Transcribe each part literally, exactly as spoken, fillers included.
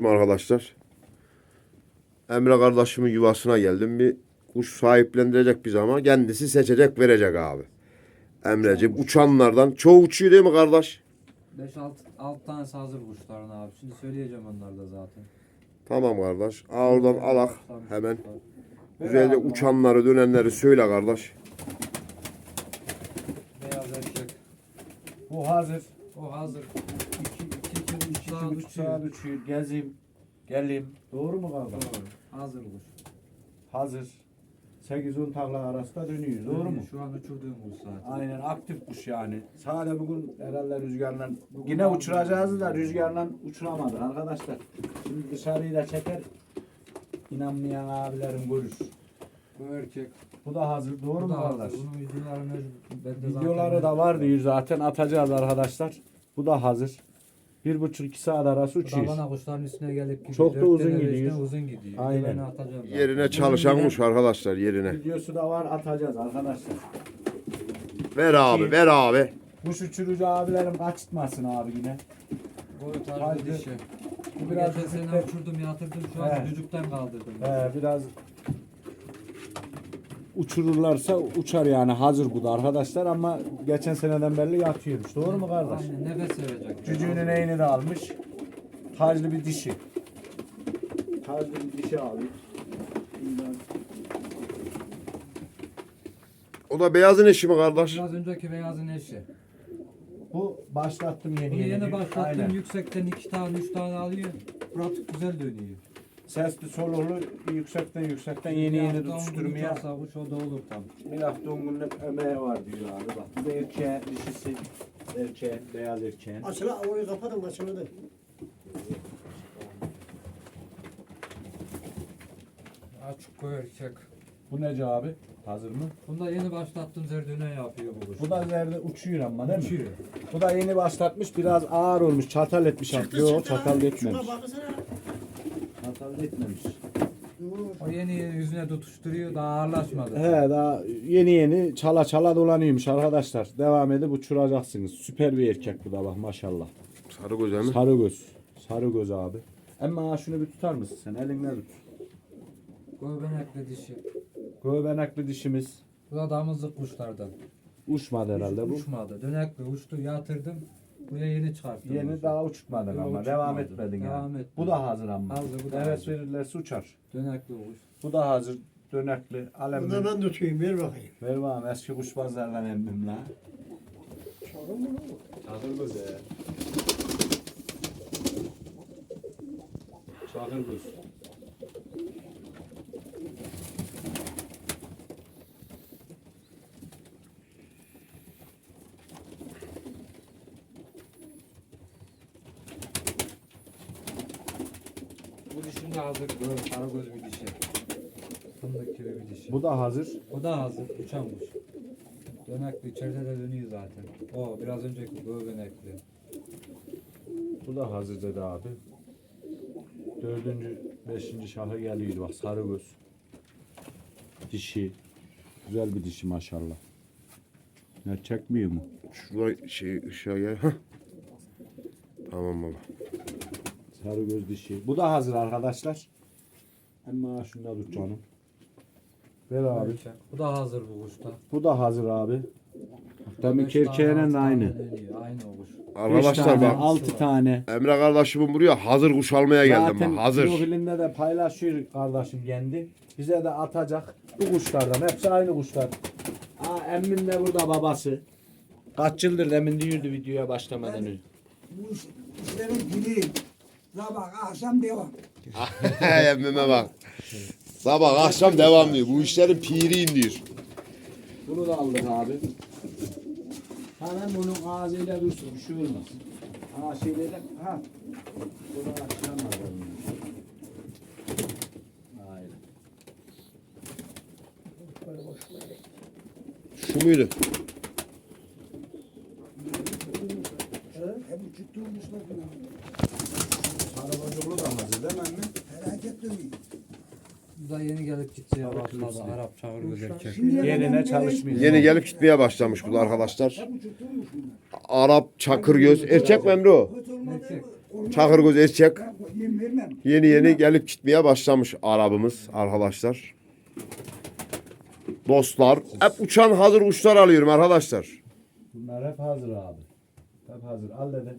Selamünaleyküm arkadaşlar. Emre kardeşimin yuvasına geldim. Bir kuş sahiplendirecek biz ama kendisi seçecek verecek abi. Emreciğim uçanlardan çoğu uçuyor değil mi kardeş? beş altı tanesi hazır kuşların abi. Şimdi söyleyeceğim onlar da zaten. Tamam kardeş. Aa, oradan alak hemen. Güzelce uçanları dönenleri söyle kardeş. Beyaz erkek. Bu hazır. O hazır. İki, iki, iki, üç İki saat buçuk saat uçuyor. uçuyor. Gezeyim. Geleyim. Doğru mu kardeş? Doğru. Hazır kuş. Hazır. sekiz on takla arasında dönüyor. Doğru mu? Şu an uçurduğum kuş zaten. Aynen aktif kuş yani. Sadece bugün herhalde rüzgarla yine uçuracağız da rüzgarla uçuramadı arkadaşlar. Şimdi dışarıyı da çeker. İnanmayan abilerim görür. Bu erkek. Bu da hazır. Doğru Bu mu da hazır. kardeş? Bunun videolarını ben de zaten- Videoları da var diyor zaten atacağız arkadaşlar. Bu da hazır. Bir buçuk iki saat arası Bu da uçuyor. bana kuşların üstüne gelip gidiyor. Çok da Dört uzun tane, beş gidiyor. tane uzun gidiyor. Aynen. Ben atacağım zaten. Yerine çalışan kuş arkadaşlar yerine. Videosu da var atacağız arkadaşlar. Ver abi ver abi. Kuş uçurucu abilerim kaçırtmasın abi yine. Boyu tarzı Haydi. dişi. Bu Bu biraz geçen sene hafif- uçurdum yatırdım şu an He. çocuktan kaldırdım. Ee, biraz uçururlarsa uçar yani hazır bu da arkadaşlar ama geçen seneden beri yatıyormuş. Doğru mu kardeş? Aynen nefes verecek. Cücüğünün eğini de almış. Taclı bir dişi. Taclı bir dişi abi. Bundan- O da beyazın eşi mi kardeş? Biraz önceki beyazın eşi. Bu başlattım yeni Bunu yeni. yeni başlattım. Aynen. Yüksekten iki tane, üç tane alıyor. Pratik güzel dönüyor. Sesli solulu yüksekten yüksekten yeni yeni Bir hafta on gün tutuşturmaya. uçarsa kuş o da olur tam. Bir hafta on günlük emeği var diyor abi bak. Bu da erkeğe dişisi. Erkeğe, beyaz erkeğin. Açıla, orayı kapatın, açıldı. Açık koy erkek. Bu nece abi? Hazır mı? Bunda yeni başlattım zerdüne yapıyor bu kuş. Bu da zerde uçuyor ama değil mi? uçuyor. Bu da yeni başlatmış biraz ağır olmuş. Çatal etmiş abi. Yok çatal Şuna etmemiş. bakısana. Çatal etmemiş. O yeni yeni yüzüne tutuşturuyor daha ağırlaşmadı. He daha yeni yeni çala çala dolanıyormuş arkadaşlar. Devam edip uçuracaksınız. Süper bir erkek bu da bak maşallah. Sarı göze mi? Sarı göz. Sarı göz abi. Ama şunu bir tutar mısın sen? Elinle tut. Göbenekli dişi. Göbenekli dişimiz. Bu da damızlık kuşlardan. Uçmadı herhalde bu. Uçmadı. Dönekli uçtu yatırdım. Buraya yeni çıkarttım. Yeni kuşu. daha uçmadın Yok, ama uçmadı. devam etmedin Devam yani. etmedi. Bu da hazır ama. Hazır, bu da evet hazır. verirlerse uçar. Dönekli kuş. Bu da hazır. Dönekli. Bunu Alemli. da ben tutayım, ver bakayım. Ver bana eski kuşbazlardan emmim la. Çağırın mı? Çakır göz he. Çakır göz. Bu dişim de hazır. Böyle karagöz bir dişi. Fındık gibi bir dişi. Bu da hazır. O da hazır. Uçan kuş. Dönekli içeride de dönüyor zaten. O biraz önceki göbenekli. Bu da hazır dedi abi. Dördüncü, beşinci şahı geliyor bak sarı göz. Dişi. Güzel bir dişi maşallah. Ne çekmiyor mu? Şurada şey ışığa gel. Hah. Tamam baba. Sarı göz dişi. Bu da hazır arkadaşlar. Ama şunu da tut canım. Ver abi. Bu da hazır bu kuşta. Bu da hazır abi. Demek Beş tane, erkeğinin altı de tane aynı. dönüyor. Aynı o kuş. Beş Arkadaşlar tane, bak altı tane. Emre kardeşimin buraya hazır kuş almaya geldim Zaten bak hazır. profilinde de paylaşıyor kardeşim kendi. Bize de atacak. Bu kuşlardan. Hepsi aynı kuşlar. Aa, emmin de burada babası. Kaç yıldır emin diyordu videoya başlamadan önce. Bu iş- işlerin dili. Sabah, akşam devam. Emmime bak. Sabah akşam devam diyor. Bu işlerin piriyim diyor. Bunu da aldık abi. Hemen bunun ağzıyla dursun. Bir şey olmaz. Ha şeyle de ha. Bunu açılamaz. Aynen. Şu muydu? Hep uçutturmuşlar falan. Sarı bozuklu da hazır değil mi anne? Felaket dönüyor. Bu da yeni gelip gideceği Tabii başladı. kızım. Arap çağır göz erkek. Şimdiye Yerine kadar çalışmıyor. Yeni gelip gitmeye başlamış bu da arkadaşlar. Hep uçutturmuş bunlar. Arap çakır göz. Erkek mi Emre o? Kötü olmadı. Erkek. olmaz. Çakır göz erkek. Ben yirmi vermem. Yeni yeni gelip gitmeye başlamış arabamız arkadaşlar. Dostlar hep uçan hazır kuşlar alıyorum arkadaşlar. Bunlar hep hazır abi. Hep hazır. Al dedi.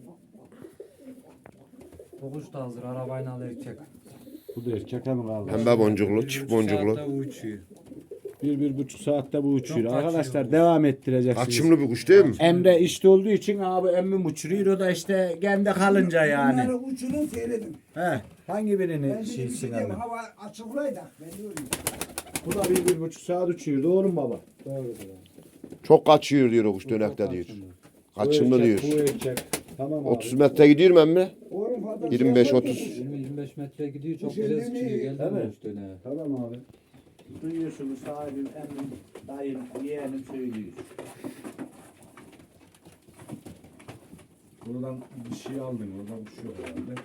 O kuş da hazır. Arabayla alır çek. Bu da erkek mi kaldı? Pembe boncuklu, çift boncuklu. Saatte uçuyor. Bir, bir buçuk saatte bu uçuyor. Çok Arkadaşlar kaçıyor bu. devam ettireceksiniz. Kaçımlı bir kuş değil mi? Emre işte olduğu için abi emmim uçuruyor. O da işte kendi kalınca yani. Bunları uçurun seyredin. He. Hangi Ben birini de şeysin gideceğim, Emre? hava açıklaydı. Ben diyorum. Bu da bir, bir buçuk saat uçuyor. Doğru mu baba? Doğrudur. Çok kaçıyor diyor o kuş dönekte diyor. Kaçımlı Bu diyor. erkek, Bu erkek. Tamam abi. otuz metre gidiyor mu emmi? Oğlum fazla yirmi beş şey otuz. yapma. yirmi yirmi beş metre gidiyor. Çok Bu şey güzel değil mi? sıçrıyor. Geldi Değil mi? mi üstüne? Tamam abi. Duyuyorsunuz sahibim, emmim, dayım, yeğenim söylüyor. Buradan bir şey aldın, oradan bir şey yok herhalde.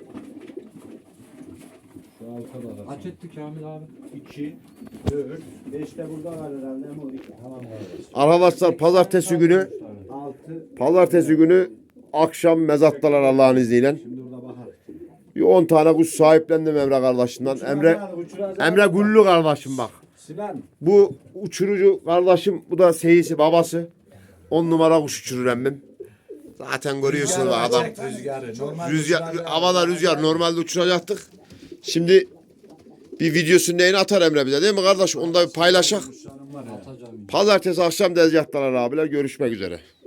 Şu arkada da. Kaç etti Kamil abi? iki, dört, beş de burada var herhalde ama o iki. Tamam kardeş. Arkadaşlar pazartesi günü altı. pazartesi günü akşam mezattalar Allah'ın izniyle. Şimdi burada bakalım. Bir on tane kuş sahiplendim Emre kardeşimden. Emre Emre Güllü kardeşim bak. Sinan. Bu uçurucu kardeşim, bu da seyisi babası. On numara kuş uçurur emmim. Zaten görüyorsunuz bak adam. Rüzgarı. Normal Rüzgar, havada rüzgar normalde uçuracaktık. Şimdi bir videosunu neyini atar Emre bize değil mi kardeş? Onu da bir paylaşak. Atacağım. Pazartesi akşam dezgahtalar abiler. Görüşmek üzere.